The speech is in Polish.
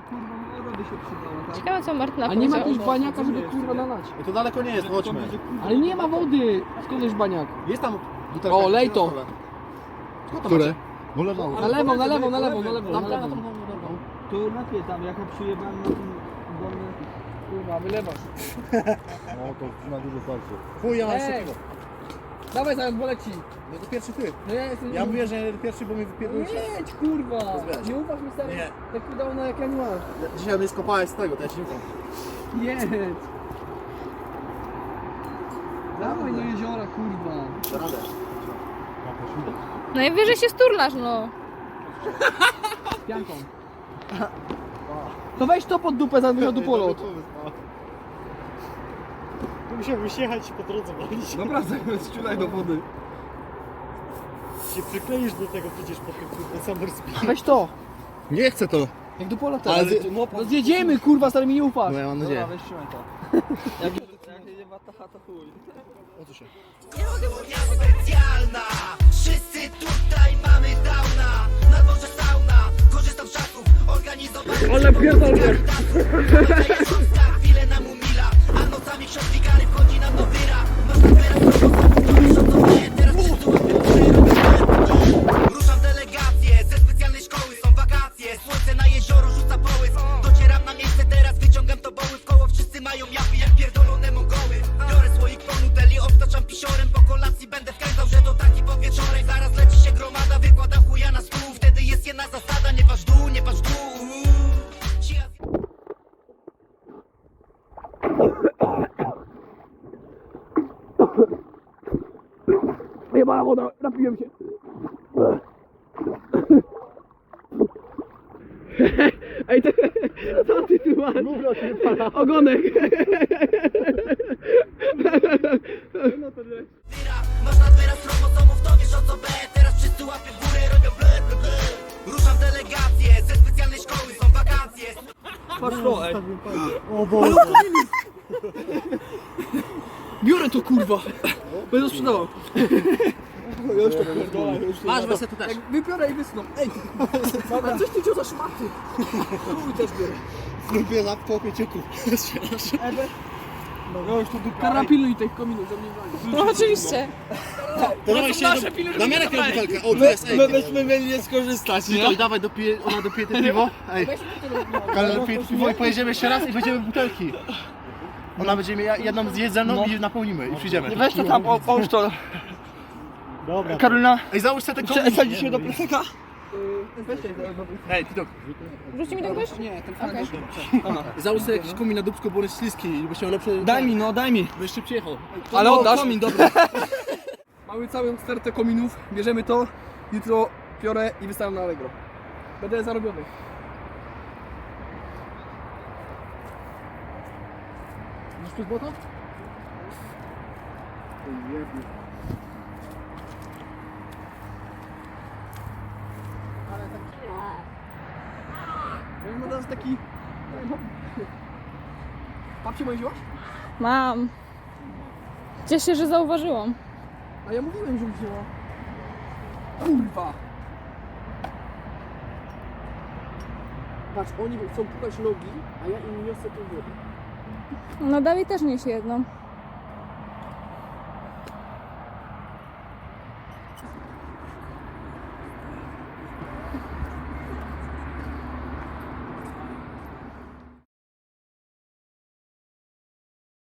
kurwa woda by się przydała, tak? Ciekawe co Martyna A nie ma powiedziała. jakiegoś baniaka, żeby kurwa nalać? I to daleko nie jest, chodźmy. Ale nie ma wody! Skąd jest baniak? Jest tam butelka. O, lej to. Skąd to Które? macie? No leżało. Na lewo, na lewo, na lewo, na lewo, Tam, na tam, lewo. tam, tam, tam. To lepiej tam, jak ja przyjebałem na tym dolny... Kurwa, wylewasz. No to na dużo starczy. Chuj, ja mam Ej. jeszcze piwo. Dawaj, zaraz boleci. No to pierwszy ty. No ja jestem... Ja mówię, że pierwszy, bo mi wypierdolisz. Jedź, kurwa! Zbierać. Nie ufasz mi stary? Nie. Tak udało na jak ja nie mam. Dzisiaj mnie skopałeś z tego, to ja ci nie ufam. Jedź! Dawaj do jeziora, kurwa. Da radę. Najwyżej się sturlasz, no. Z pianką. To weź to pod dupę, zaraz wyjechał dupolot. Musiałbyś jechać i po drodze walić. Naprawdę, strzelaj do wody. Się przykleisz do tego przecież po tym kurde summer speed. Weź to. Nie chcę to. Jak dupolot Ale teraz. ty- No zjedziemy, kurwa, stary mi nie ufasz. No ja mam Dobra, nadzieję. weź trzymaj to. Jak jedzie wataha, to chuj. O co się? Specjalna. Wszyscy tutaj mamy downa. Na dworze sauna, korzystam z czasów organizowanych. Ale pierdolę. Chwilę nam umila, a nocami ksiądz wikary wchodzi nam do wyra. Masz teraz teraz wszyscy łapią ruszam w delegację, ze specjalnej szkoły są wakacje. Słońce na jezioro rzuca połysk. Docieram na miejsce teraz, wyciągam to boły w koło. Wszyscy mają japy jak pierdolone Mongoły. Biorę słoik po nuteli, obtaczam pisiorem. Po kolacji będę wkręcał, że to taki podwieczorek. Zaraz leci się gromada, wykładam chuja na stół. Wtedy jest jedna zasada, nie patrz w dół, nie patrz w dół. Jebana woda, napiłem się. Ej, co ty tu masz? Ogonek. Masz nadwyraz chromosomów, to wiesz o co B. Teraz wszyscy łapy w górę robią ble, ble, ble. Ruszam w delegację, ze specjalnej szkoły są wakacje. Patrz to, ej. O Boże. Biorę to, kurwa. Będę sprzedawał. Masz wersję tu też. Jak wybiorę i wysną. Ej, a coś ty wziął za szmaty. Chuj też biorę. Lubię na popie cieku. No już tu dupa. Kara pilnuj tych kominów, żeby nie walić. No oczywiście. To dawaj się do Damianek na butelkę. O, tu jest, ej. My byśmy mieli nie skorzystać, nie? Witold, dawaj, dopije, ona dopije te piwo. Ej, Karol dopije te piwo i pojedziemy jeszcze raz i weźmiemy butelki. Ona będzie miała jedną zjeść ze mną i napełnimy i przyjdziemy. Weź to tam, połóż to. Dobra. Karolina, Ej, załóż sobie tego. wsadzić się do plecaka? Ej, Titok, Wrzuci mi to ktoś? Nie, ten Okej. załóż sobie jakiś komin na dupsko, bo on jest śliski i by się lepsze... Daj mi, no daj mi. Byś szybciej jechał. Ale oddasz? Komin, dobra. Mamy całą stertę kominów, bierzemy to, jutro piorę i wystawiam na Allegro. Będę zarobiony. Widzisz przez błoto? Ale taki... Ja mam teraz taki... Babcię moją wzięłaś? Mam. Cieszę się, że zauważyłam. A ja mówiłem, że wzięła. Kurwa! Patrz, oni chcą pukać nogi, a ja im niosę tą wodę. No Dawid też niesie jedną.